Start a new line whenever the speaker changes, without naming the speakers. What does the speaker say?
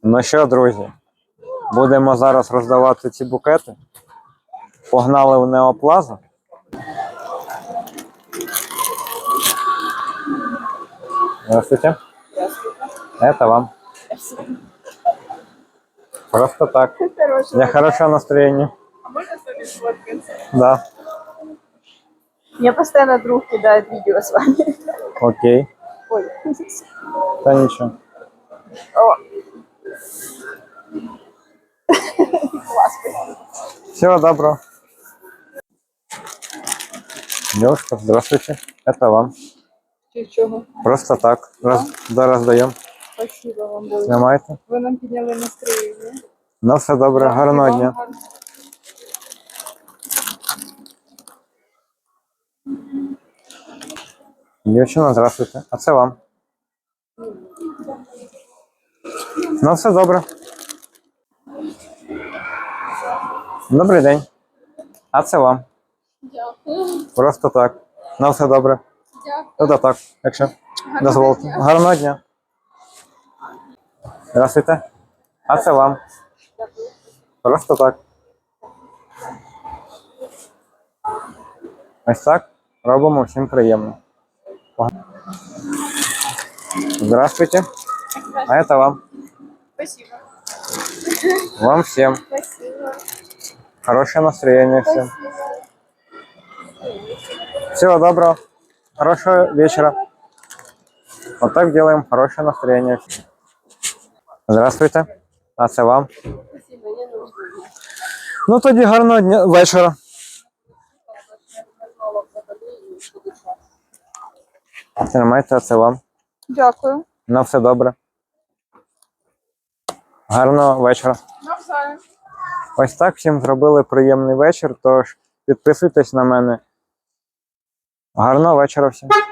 Ну що, друзі, будемо зараз роздавати ці букети. Погнали в Неоплазу. Здравствуйте.
Здравствуйте.
Это вам. Просто так.
Хорошего
Для хорошего настроения.
А можно с вами сфоткаться?
Да.
Мне постоянно друг кидает видео с вами.
Окей.
Ой.
Да ничего.
О. Класс, спасибо.
Всего доброго. Девушка, здравствуйте. Это вам.
Чего?
Просто так. Да, раздаем.
Спасибо вам, дуже.
Знімайте.
Ви нам підняли настроєння.
Ну все добре. Гарного дня. Дівчина, здравствуйте. А це вам. Ну все добре. Добрий день. А це вам.
Дякую.
Просто так. Ну все добре.
Дякую.
Та так, якщо дозволите. Гарного дня. Здравствуйте. А це вам. Просто так. Ось так робимо всім приємно. Здравствуйте. А это вам.
Спасибо.
Вам всем.
Спасибо.
Хорошее настроение всем.
Спасибо.
Всего доброго. Хорошего вечера. Вот так делаем хорошее настроение. Здравствуйте. А це вам.
Спасибо, я нужна.
Ну тоді гарного дня, вечора. Тримайте, а це вам.
Дякую.
На все добре. Гарного вечора.
Навзаєм.
Ось так всім зробили приємний вечір, тож підписуйтесь на мене. Гарного вечора всім.